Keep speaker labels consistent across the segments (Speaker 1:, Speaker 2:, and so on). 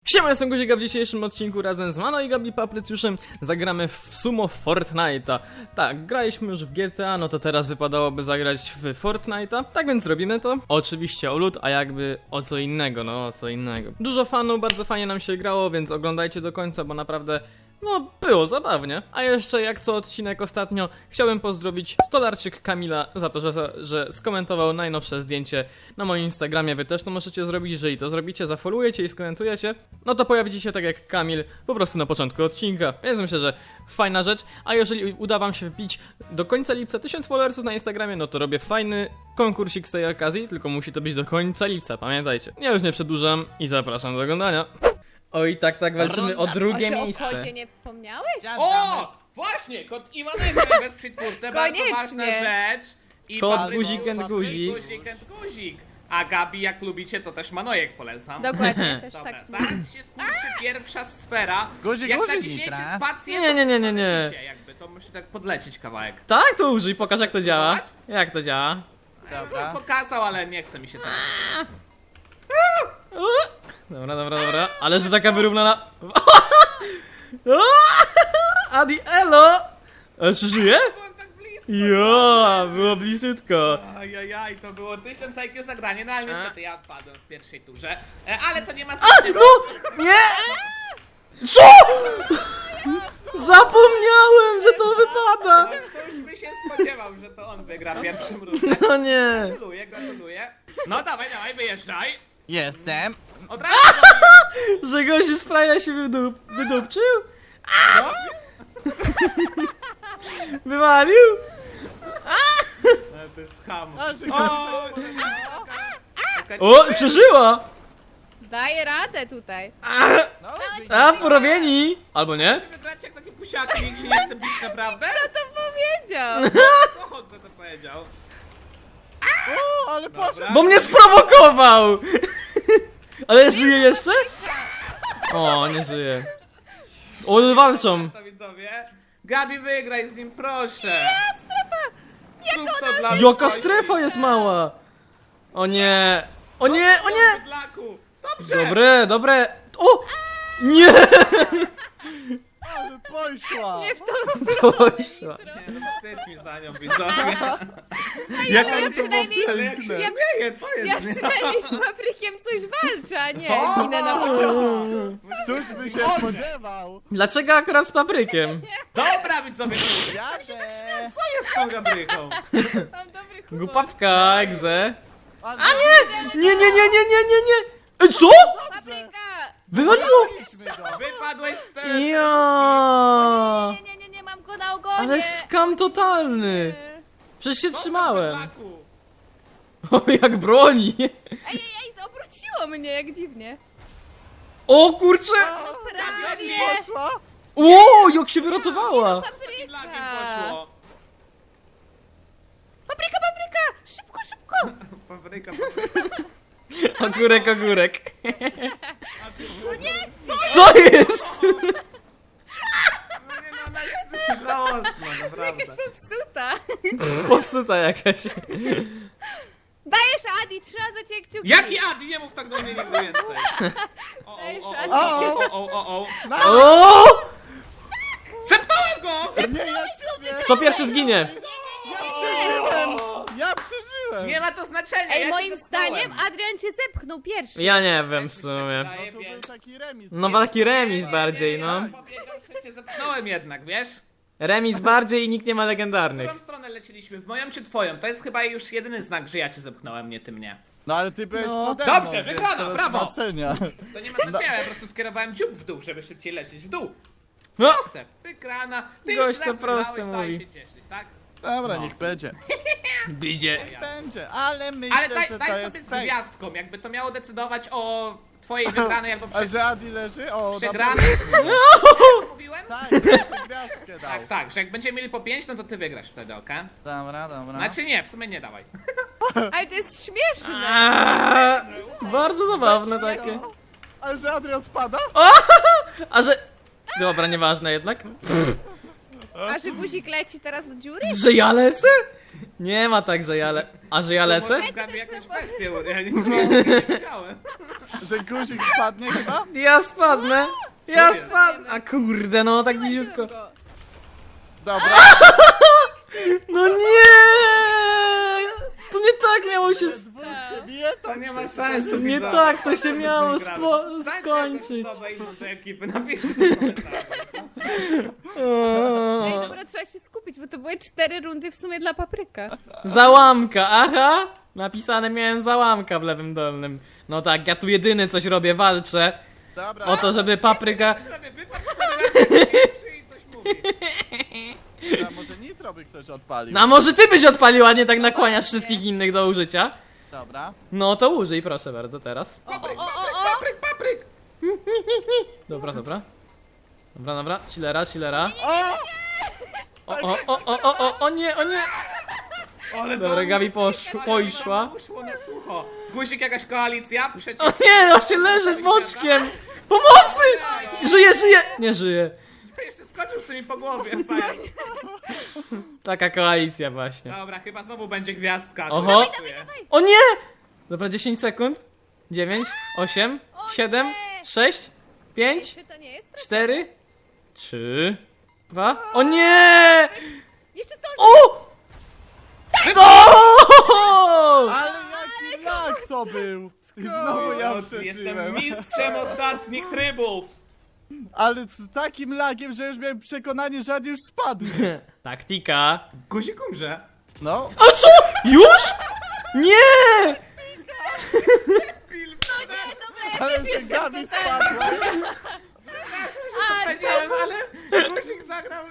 Speaker 1: Siema, jestem Guzik, a w dzisiejszym odcinku razem z Mano i Gabi Paprycjuszem zagramy w sumo Fortnite'a. Tak, graliśmy już w GTA, no to teraz wypadałoby zagrać w Fortnite'a. Tak więc robimy to. Oczywiście o lód, a jakby o co innego, no o co innego. Dużo fanów, bardzo fajnie nam się grało, więc oglądajcie do końca, bo naprawdę... no, było zabawnie. A jeszcze, jak co odcinek ostatnio, chciałbym pozdrowić Stolarczyk Kamila za to, że skomentował najnowsze zdjęcie na moim Instagramie. Wy też to możecie zrobić, jeżeli to zrobicie, zafollowujecie i skomentujecie, no to pojawicie się tak jak Kamil, po prostu na początku odcinka. Więc myślę, że fajna rzecz. A jeżeli uda wam się wbić do końca lipca 1000 followersów na Instagramie, no to robię fajny konkursik z tej okazji, tylko musi to być do końca lipca, pamiętajcie. Ja już nie przedłużam i zapraszam do oglądania. Oj, tak, walczymy o drugie miejsce.
Speaker 2: O kodzie nie wspomniałeś?
Speaker 3: O! Właśnie! Kod Iwanego bez przytwórce, bardzo
Speaker 2: Koniecznie.
Speaker 3: ważna rzecz. I
Speaker 1: Kod
Speaker 3: Patryk
Speaker 1: guzik and guzik.
Speaker 3: Guzik and guzik. A Gabi, jak lubicie, to też Manojek polecam.
Speaker 2: Dokładnie, też
Speaker 3: Dobra,
Speaker 2: tak.
Speaker 3: zaraz się skończy pierwsza sfera.
Speaker 4: Guzik,
Speaker 3: Jak
Speaker 4: guzik,
Speaker 3: naciśniecie
Speaker 4: Nitra.
Speaker 3: spację,
Speaker 1: Nie,
Speaker 3: to
Speaker 1: nie.
Speaker 3: polecicie jakby, to musi tak podlecieć kawałek.
Speaker 1: Tak, to użyj, pokaż jak to działa.
Speaker 3: Spróbować?
Speaker 1: Jak to działa?
Speaker 4: Dobra.
Speaker 3: Pokazał, ale nie chce mi się teraz.
Speaker 1: Dobra. Ale że taka wyrównana... Adi, elo! Czy żyje?
Speaker 3: Byłem tak blisko.
Speaker 1: Jo, było blisutko.
Speaker 3: Ajajaj, to było 1000 IQ zagranie, no ale niestety ja odpadłem w pierwszej turze. Ale to nie ma
Speaker 1: A,
Speaker 3: znaczenia.
Speaker 1: no! Nie! Co? Zapomniałem, że to wypada!
Speaker 3: Ktoś by się spodziewał, że to on wygra pierwszym ruchem.
Speaker 1: No nie.
Speaker 3: Gratuluję. No dawaj, wyjeżdżaj.
Speaker 4: Jestem.
Speaker 3: Od razu
Speaker 1: Że gościu z fraja się wydupczył?
Speaker 3: no.
Speaker 1: Wywalił?
Speaker 3: To jest skam.
Speaker 4: A, że
Speaker 1: O, przeżyła!
Speaker 2: Daję radę tutaj.
Speaker 4: No,
Speaker 1: A, porobieni! Albo nie?
Speaker 3: Musimy grać jak takie pusiaki, nikt się nie chce bić naprawdę?
Speaker 2: Kto to powiedział?
Speaker 3: Co kto to powiedział?
Speaker 4: o, ale poszedł.
Speaker 1: Bo mnie sprowokował! Ale żyje jeszcze? O, nie żyje. O, walczą.
Speaker 3: To widzowie. Gabi, wygraj z nim, proszę. Zrób to dla
Speaker 1: Jaka
Speaker 3: swoich.
Speaker 1: strefa jest mała! O nie! O nie!
Speaker 3: Bydlaku. Dobrze.
Speaker 1: Dobre! O! Nie!
Speaker 4: Ale poszła.
Speaker 2: Nie w tą stronę.
Speaker 1: Poszła.
Speaker 3: Nie, no wstyd mi za nią, widzowie.
Speaker 2: Ja
Speaker 4: to
Speaker 2: przynajmniej,
Speaker 3: Ale jak się
Speaker 2: ja,
Speaker 3: śmieje, co jest?
Speaker 2: ja przynajmniej z paprykiem coś walczę, a nie ginę na początku.
Speaker 4: Któż by się spodziewał?
Speaker 1: Dlaczego akurat z paprykiem?
Speaker 3: Dobra, widzowie.
Speaker 4: Jadę.
Speaker 3: Co jest z tą Gabryką?
Speaker 2: Mam dobry humor.
Speaker 1: Głupawka, egze.
Speaker 4: A
Speaker 1: Nie! Ej, co?
Speaker 2: Papryka!
Speaker 1: Wywaliło!
Speaker 3: Wypadłeś z tego.
Speaker 1: Ja!
Speaker 2: Nie, mam go na ogonie.
Speaker 1: Ale skam totalny! Przecież się trzymałem. O, jak broni!
Speaker 2: Ej, obróciło mnie, jak dziwnie.
Speaker 1: O kurczę!
Speaker 2: Prawie.
Speaker 4: Poszła?
Speaker 1: O, jak się wyratowała!
Speaker 2: Papryka!
Speaker 3: poszło.
Speaker 2: Papryka! Szybko!
Speaker 3: Papryka.
Speaker 1: Ogórek. Co jest?
Speaker 3: No nie, no ona jest żałosna,
Speaker 2: Jakaś
Speaker 3: naprawdę.
Speaker 2: popsuta.
Speaker 1: Popsuta jakaś.
Speaker 2: Dajesz, Adi, trzeba za ciebie kciuki.
Speaker 3: Jaki Adi? Nie mów tak do mnie nigdy więcej.
Speaker 2: Dajesz,
Speaker 3: O,
Speaker 2: Adi.
Speaker 3: o.
Speaker 1: O!
Speaker 3: Zepnąłem go!
Speaker 4: Nie, ja ciebie.
Speaker 1: Kto pierwszy zginie?
Speaker 4: Ja przeżyłem.
Speaker 3: Nie ma to znaczenia,
Speaker 2: Ej,
Speaker 3: ja
Speaker 2: moim
Speaker 3: cię zepchnąłem.
Speaker 2: zdaniem Adrian cię zepchnął pierwszy.
Speaker 1: Ja nie wiem w sumie.
Speaker 4: No to był taki remis.
Speaker 1: No taki remis bardziej, no.
Speaker 3: Ja powiedział, że cię zepchnąłem jednak, wiesz?
Speaker 1: Remis bardziej i nikt nie ma
Speaker 3: W
Speaker 1: legendarnych.
Speaker 3: którą stronę leciliśmy? W moją czy twoją? To jest chyba już jedyny znak, że ja cię zepchnąłem, nie ty mnie.
Speaker 4: No ale ty byłeś
Speaker 2: No.
Speaker 4: pode mną,
Speaker 3: Dobrze,
Speaker 4: więc
Speaker 3: wygrana,
Speaker 4: teraz
Speaker 3: brawo.
Speaker 4: ma ocenia.
Speaker 3: To nie ma znaczenia, ja po prostu skierowałem dziób w dół, żeby szybciej lecieć w dół.
Speaker 1: No,
Speaker 3: Proste, wygrana. Ty
Speaker 1: Gość
Speaker 3: już
Speaker 1: co
Speaker 3: raz
Speaker 1: proste
Speaker 3: wygrałeś, daj
Speaker 1: mówi.
Speaker 3: się cieszyć, tak?
Speaker 4: Dobra,
Speaker 3: No.
Speaker 4: niech będzie.
Speaker 1: bidzie.
Speaker 4: Będzie, ale myślę,
Speaker 3: Ale
Speaker 4: że
Speaker 3: daj
Speaker 4: to
Speaker 3: sobie
Speaker 4: jest
Speaker 3: z
Speaker 4: fake.
Speaker 3: gwiazdką, jakby to miało decydować o twojej wygranej albo
Speaker 4: A że Adi leży? O,
Speaker 3: przegranej. Co mówiłem?
Speaker 4: Tak, jeszcze gwiazdkę dał.
Speaker 3: Tak, że jak będziemy mieli po 5, no to ty wygrasz wtedy, okej?
Speaker 4: Dobra.
Speaker 3: Znaczy nie, w sumie nie dawaj.
Speaker 2: Ale to jest śmieszne.
Speaker 1: Bardzo zabawne takie.
Speaker 4: A że Adrian spada?
Speaker 1: A że... Dobra, nieważne jednak.
Speaker 2: A że guzik leci teraz do dziury?
Speaker 1: Że ja lecę? Nie ma tak, że ja lecę. A że ja lecę?
Speaker 3: Może Gabi jakąś bestię, ja nie wiedziałem.
Speaker 4: Że guzik spadnie chyba?
Speaker 1: Ja spadnę! Ja
Speaker 3: jest?
Speaker 1: spadnę! A kurde, no tak
Speaker 2: Trzymaj
Speaker 1: bliziutko.
Speaker 2: go.
Speaker 4: Dobra.
Speaker 1: No nie! To nie tak miało się...
Speaker 4: Dwóch się bije,
Speaker 3: To nie ma sensu,
Speaker 1: Nie
Speaker 3: widzowie.
Speaker 1: tak, to się
Speaker 3: Co
Speaker 1: miało
Speaker 3: byśmy grali? Znajdźcie
Speaker 1: skończyć.
Speaker 3: jakąś osobę inną do ekipy, napiszcie w komentarzach.
Speaker 2: Ej, dobra, trzeba się skupić, bo to były 4 rundy w sumie dla papryka.
Speaker 1: Załamka, aha! Napisane miałem załamka w lewym dolnym. No tak, ja tu jedyny coś robię, walczę
Speaker 4: Dobra.
Speaker 1: o to, żeby papryka...
Speaker 3: Coś robię, wypadł 4 razy, nie i coś mówi.
Speaker 4: A może nitro by ktoś odpalił?
Speaker 1: No a może ty byś odpalił, a nie tak nakłaniasz wszystkich innych do użycia?
Speaker 4: Dobra.
Speaker 1: No to użyj, proszę bardzo, teraz.
Speaker 3: Papryk,
Speaker 2: o, o,
Speaker 3: papryk,
Speaker 2: o.
Speaker 3: papryk, papryk!
Speaker 1: Dobra, dobra. Dobra, dobra, chillera, chillera.
Speaker 4: O!
Speaker 1: O nie, o nie!
Speaker 3: Ale to
Speaker 1: Dobra, Gabi
Speaker 3: ale
Speaker 1: poszła.
Speaker 3: Uszło na sucho. Guzik, jakaś koalicja? Przeciw...
Speaker 1: O nie, on się leży z boczkiem! Pomocy! Żyje, żyje! Nie żyje.
Speaker 3: Jeszcze skoczył sobie po głowie. Pajac.
Speaker 1: Taka koalicja właśnie.
Speaker 3: Dobra, chyba znowu będzie gwiazdka.
Speaker 1: Oho.
Speaker 3: Czuję.
Speaker 1: O nie! Dobra, 10 sekund. 9, 8, 7,
Speaker 2: nie!
Speaker 1: 6, 5,
Speaker 2: Czy to nie jest?
Speaker 1: 4, 3, 2. O nie!
Speaker 2: Jeszcze zdążysz!
Speaker 1: O! O!
Speaker 4: Ale jaki lag to był! I znowu ja
Speaker 3: Jestem
Speaker 4: przeżyłem.
Speaker 3: mistrzem ostatnich trybów.
Speaker 4: Ale z takim lagiem, że już miałem przekonanie, że on już spadnie.
Speaker 1: Taktika.
Speaker 3: Guzik umrze.
Speaker 4: No.
Speaker 1: A co? Już? Nie!
Speaker 4: Ale że Gabi spadła.
Speaker 3: Powiedziałem, ale guzik zagrał.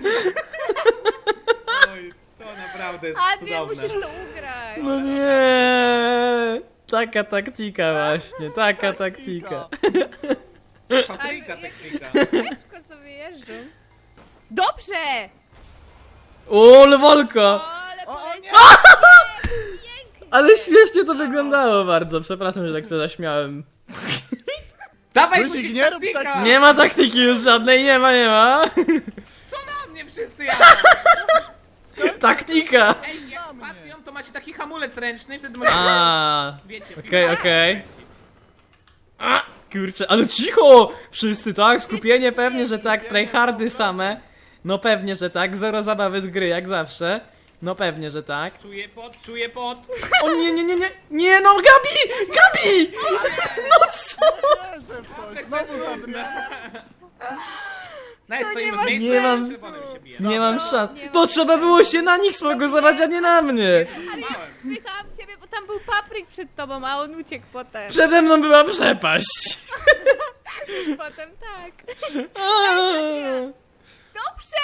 Speaker 3: Oj, to naprawdę jest
Speaker 2: Adrian,
Speaker 3: cudowne.
Speaker 2: musisz to ugrać.
Speaker 1: No nie! Taka taktika właśnie, taka taktika.
Speaker 3: Papryka
Speaker 2: Ale jak-
Speaker 3: technika.
Speaker 2: Kółeczko sobie jeżdżą. Dobrze!
Speaker 1: O, lewolka!
Speaker 2: O, ale
Speaker 4: O, o,
Speaker 2: poleciał. Pięknie!
Speaker 1: Ale śmiesznie to wyglądało bardzo, przepraszam, że tak się zaśmiałem.
Speaker 3: Dawaj
Speaker 4: Guzik,
Speaker 3: guzik,
Speaker 4: nie rób
Speaker 3: taktyka!
Speaker 4: tak-
Speaker 1: Nie ma taktyki już żadnej, nie ma, nie ma.
Speaker 3: Co na mnie wszyscy jadą?
Speaker 1: Taktika!
Speaker 3: Ej, jak spacją to macie taki hamulec ręczny, wtedy możecie...
Speaker 1: A,
Speaker 3: Wiecie,
Speaker 1: okej, okej. A, kurczę, ale cicho! Wszyscy tak, skupienie pewnie, że tak, tryhardy same. No pewnie, że tak, zero zabawy z gry, jak zawsze. No pewnie, że tak.
Speaker 3: Czuję pot, czuję pot.
Speaker 1: O nie, nie, nie, nie, nie, no Gabi! Gabi! No co?
Speaker 4: Wierzę w to. Znowu zadrę.
Speaker 3: No jest, stoimy
Speaker 2: ma
Speaker 3: w miejscu,
Speaker 1: Nie mam-
Speaker 3: czerwonym się bije.
Speaker 1: Nie mam szans.
Speaker 2: nie ma.
Speaker 1: To trzeba było się na nich sfokusować, a nie na mnie.
Speaker 2: Spychałam ciebie, bo tam był papryk przed tobą, a on uciekł potem.
Speaker 1: Przede mną była przepaść.
Speaker 2: Potem tak.
Speaker 1: A.
Speaker 2: Dobrze!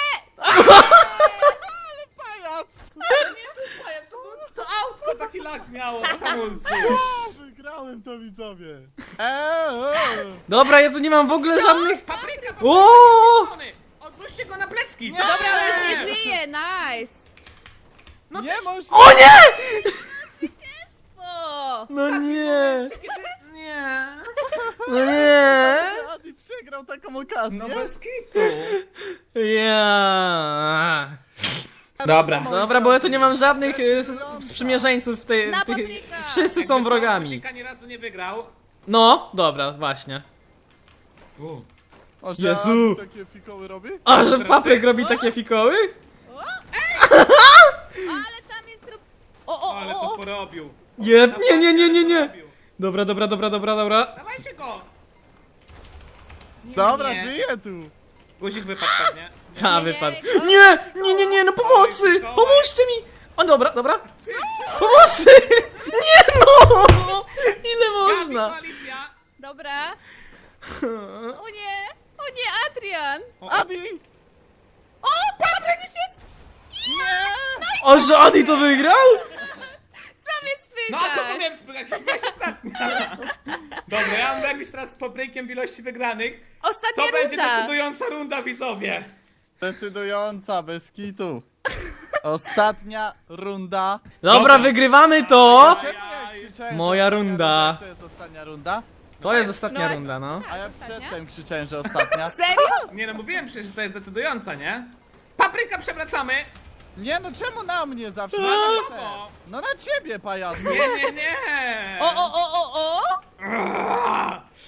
Speaker 4: Pajac!
Speaker 3: Pajac, to autko taki lag miało w hamulcu.
Speaker 4: O, wygrałem to, widzowie.
Speaker 1: Dobra, ja tu nie mam w ogóle żadnych...
Speaker 3: Papryka,
Speaker 1: O!
Speaker 3: odwróćcie go na plecki.
Speaker 2: Dobra, on już nie żyje, nice!
Speaker 3: No
Speaker 4: Nie
Speaker 3: też-
Speaker 4: możesz...
Speaker 1: O nie!
Speaker 2: O!
Speaker 1: No nie!
Speaker 3: Nie.
Speaker 1: No nie!
Speaker 4: Adi przegrał taką okazję.
Speaker 3: No bez kitu.
Speaker 1: Ja.
Speaker 3: Dobra.
Speaker 1: Dobra, bo ja tu nie mam żadnych sprzymierzeńców w tej...
Speaker 2: Na
Speaker 1: w tych...
Speaker 2: papryka.
Speaker 1: Wszyscy są wrogami.
Speaker 3: Guzika ani razu nie wygrał.
Speaker 1: No, dobra, właśnie.
Speaker 4: O, że
Speaker 1: Jezu.
Speaker 4: Adi takie fikoły robi?
Speaker 1: A, że papryk robi takie fikoły?
Speaker 2: Ale tam jest... O,
Speaker 3: Ale to porobił.
Speaker 1: Nie. Dobra.
Speaker 3: Dawajcie go. Nie,
Speaker 1: Tak,
Speaker 4: Dobra,
Speaker 3: nie.
Speaker 4: żyję tu.
Speaker 3: Guzik wypadł pewnie.
Speaker 1: Ta
Speaker 2: Nie,
Speaker 1: wypadł.
Speaker 2: nie.
Speaker 1: Nie, no pomocy! Pomóżcie mi! O, dobra. Pomocy! Nie no! Ile
Speaker 3: Gabi,
Speaker 1: można?
Speaker 3: koalicja.
Speaker 2: Dobra. O nie, Adrian!
Speaker 4: Adi!
Speaker 2: O, papryk już jest!
Speaker 1: O, że Adi to wygrał?
Speaker 2: Co mnie
Speaker 3: No a co
Speaker 2: spychasz?
Speaker 3: powiem, spychać? Byłaś ostatnia. Dobra, ja mam remis teraz z paprykiem w ilości wygranych.
Speaker 2: Ostatnia
Speaker 3: To będzie
Speaker 2: runda.
Speaker 3: decydująca runda, widzowie.
Speaker 4: Decydująca, bez kitu. Ostatnia runda.
Speaker 1: Dobra,
Speaker 3: Dobra.
Speaker 1: wygrywamy to!
Speaker 4: Czemu ja krzyczałem, że
Speaker 1: Moja
Speaker 4: ostatnia
Speaker 1: runda.
Speaker 4: To jest ostatnia runda?
Speaker 1: To jest ostatnia
Speaker 2: No,
Speaker 1: runda, no.
Speaker 4: A ja
Speaker 2: Ostatnia?
Speaker 4: przedtem krzyczałem, że ostatnia.
Speaker 2: Serio?
Speaker 3: Nie no, mówiłem przecież, że to jest decydująca, nie? Papryka przewracamy.
Speaker 4: Nie no, czemu na mnie zawsze?
Speaker 3: No,
Speaker 4: No na ciebie, pajacu.
Speaker 3: Nie.
Speaker 2: O!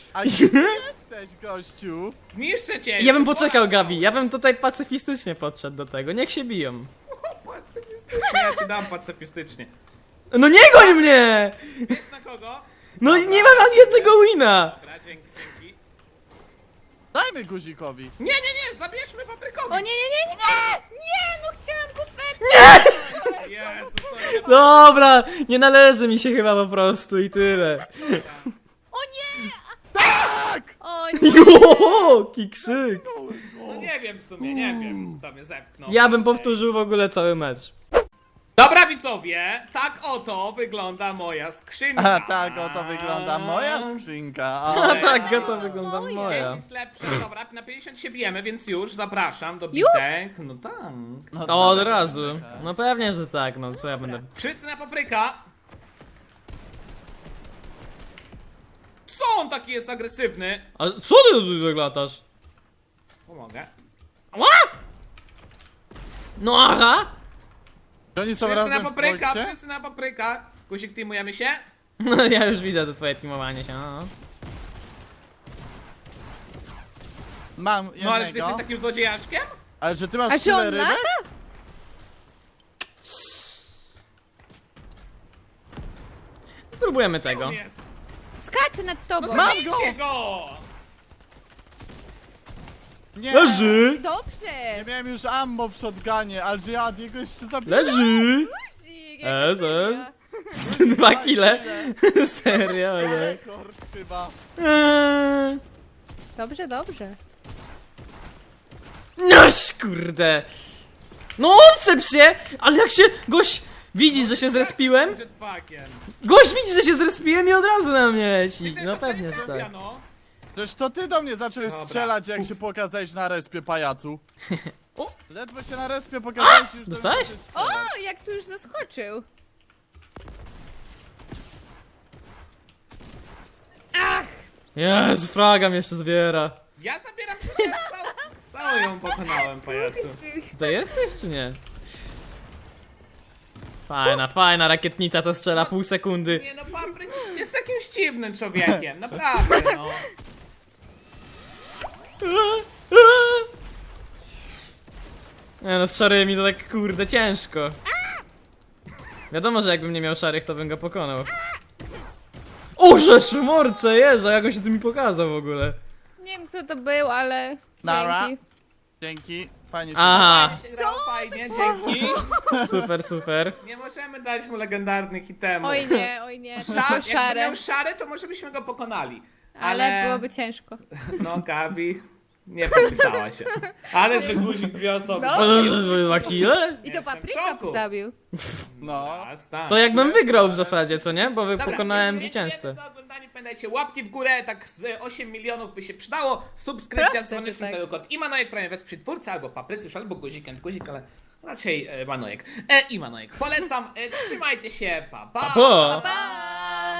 Speaker 4: A gdzie ty jesteś, gościu?
Speaker 3: Zniszczę cię!
Speaker 1: Ja bym poczekał, Gabi, ja bym tutaj pacyfistycznie podszedł do tego, niech się biją.
Speaker 3: Pacyfistycznie, ja ci dam pacyfistycznie.
Speaker 1: No nie goń mnie!
Speaker 3: Wiesz na kogo?
Speaker 1: No nie mam ani jednego wina!
Speaker 3: Dobra, dzięki.
Speaker 4: Dajmy guzikowi.
Speaker 3: Nie, zabierzmy paprykowi!
Speaker 2: O nie, nie, nie, nie! Nie, no chciałam konfetti!
Speaker 3: Jezu, sorry.
Speaker 1: Dobra, nie należy mi się chyba po prostu i tyle.
Speaker 2: O nie!
Speaker 4: Tak!
Speaker 2: O nie!
Speaker 1: Joki krzyk!
Speaker 3: No nie wiem w sumie, nie wiem, kto mnie zepchnął.
Speaker 1: Ja bym powtórzył w ogóle cały mecz.
Speaker 3: Dobra widzowie, tak oto wygląda moja skrzynka.
Speaker 4: A tak oto wygląda moja skrzynka.
Speaker 1: A tak, to wygląda
Speaker 2: moje.
Speaker 1: moja.
Speaker 3: 10 lepsze, dobra, na 50 się bijemy, więc już zapraszam do
Speaker 2: Już?
Speaker 3: bitek. No tak.
Speaker 4: No,
Speaker 1: To od
Speaker 4: co ty
Speaker 1: razu.
Speaker 4: czekasz?
Speaker 1: No pewnie, że tak, no co ja będę...
Speaker 3: Wszyscy na papryka. Co on taki jest agresywny?
Speaker 1: A co ty tu zaglatasz?
Speaker 3: Pomogę.
Speaker 1: No aha!
Speaker 4: Czy oni są
Speaker 3: Wszyscy
Speaker 4: razem
Speaker 3: na
Speaker 4: w
Speaker 3: papryka,
Speaker 4: boksie?
Speaker 3: wszyscy na papryka. Guzik, teamujemy się?
Speaker 1: No ja już widzę to twoje teamowanie się, no.
Speaker 4: Mam
Speaker 3: No ale czy ty
Speaker 4: jednego.
Speaker 3: jesteś takim złodziejaszkiem?
Speaker 4: Ale że ty
Speaker 2: A
Speaker 4: masz
Speaker 2: czy on
Speaker 4: tyle rybek?
Speaker 2: lata?
Speaker 1: Spróbujemy tego.
Speaker 3: On jest.
Speaker 2: Skacze nad
Speaker 3: No
Speaker 2: tobą.
Speaker 3: zabijcie go!
Speaker 4: Nie!
Speaker 1: Leży!
Speaker 2: Dobrze!
Speaker 4: Nie miałem już ammo w shotgunie, ale że ja jego jeszcze zabiję.
Speaker 1: Leży!
Speaker 2: Guzik,
Speaker 1: Ez,
Speaker 2: serio.
Speaker 1: 2 kile. Serio, nie?
Speaker 4: Rekord chyba.
Speaker 2: Dobrze, dobrze.
Speaker 1: Noż kurde! No odczep się! Ale jak się gość widzi, że się zrespiłem?
Speaker 3: Jetpackiem.
Speaker 1: Gość widzi, że się zrespiłem i od razu na mnie leci.
Speaker 3: Też
Speaker 1: No
Speaker 3: o to nie
Speaker 1: pewnie, że
Speaker 3: trafia,
Speaker 1: tak.
Speaker 3: no.
Speaker 4: Przecież to ty do mnie zacząłeś
Speaker 3: Dobra.
Speaker 4: strzelać, jak się pokazałeś na respie, pajacu.
Speaker 1: O!
Speaker 4: Ledwo się na respie pokazałeś i już do mnie
Speaker 1: Dostałeś?
Speaker 4: zacząłeś strzelać.
Speaker 2: O, jak tu już zaskoczył.
Speaker 1: Jezu, fraga mnie jeszcze zbiera.
Speaker 3: Ja zabieram się całą ją pokonałem, pajacu.
Speaker 1: Ty to jesteś, czy nie? Fajna rakietnica, co strzela pół sekundy.
Speaker 3: Nie no, papryk jest jakimś dziwnym człowiekiem, naprawdę no.
Speaker 1: Nie no, z szarymi to tak kurde ciężko. Wiadomo, że jakbym nie miał szarych, to bym go pokonał. O, że szmorcze, jeża, jak on się tu mi pokazał w ogóle.
Speaker 2: Nie wiem kto to był, ale...
Speaker 4: Nara.
Speaker 2: Dzięki.
Speaker 4: Dzięki, fajnie się
Speaker 1: Aha,
Speaker 3: Fajnie się grało, fajnie, dzięki.
Speaker 1: super.
Speaker 3: Nie możemy dać mu legendarnych itemów.
Speaker 2: Oj nie,
Speaker 3: Szar,
Speaker 2: tylko
Speaker 3: jakby
Speaker 2: szare.
Speaker 3: miał szary, to może byśmy go pokonali.
Speaker 2: Ale byłoby ciężko.
Speaker 3: No, Gabi nie podpisała się. Ale że guzik dwie osoby.
Speaker 2: No.
Speaker 1: O, że 2 kile?
Speaker 2: I to
Speaker 3: Jestem w
Speaker 2: papryka
Speaker 3: szoku.
Speaker 2: zabił.
Speaker 4: No.
Speaker 3: Jasne.
Speaker 1: To jakbym wygrał w zasadzie, co nie? Bo
Speaker 3: Dobra,
Speaker 1: pokonałem
Speaker 3: dziękujemy
Speaker 1: zwycięzcę.
Speaker 3: za oglądanie, pamiętajcie, łapki w górę, tak z 8 milionów by się przydało. Subskrypcja
Speaker 2: Proste,
Speaker 3: z dzwoneczkiem,
Speaker 2: że tak.
Speaker 3: tego kod Imanojek, prawie wesprzyj twórcę, albo Paprycjusz, albo Guzik, ale raczej Manojek. I Manojek. Polecam, trzymajcie się, pa pa!
Speaker 1: Pa!
Speaker 2: Pa!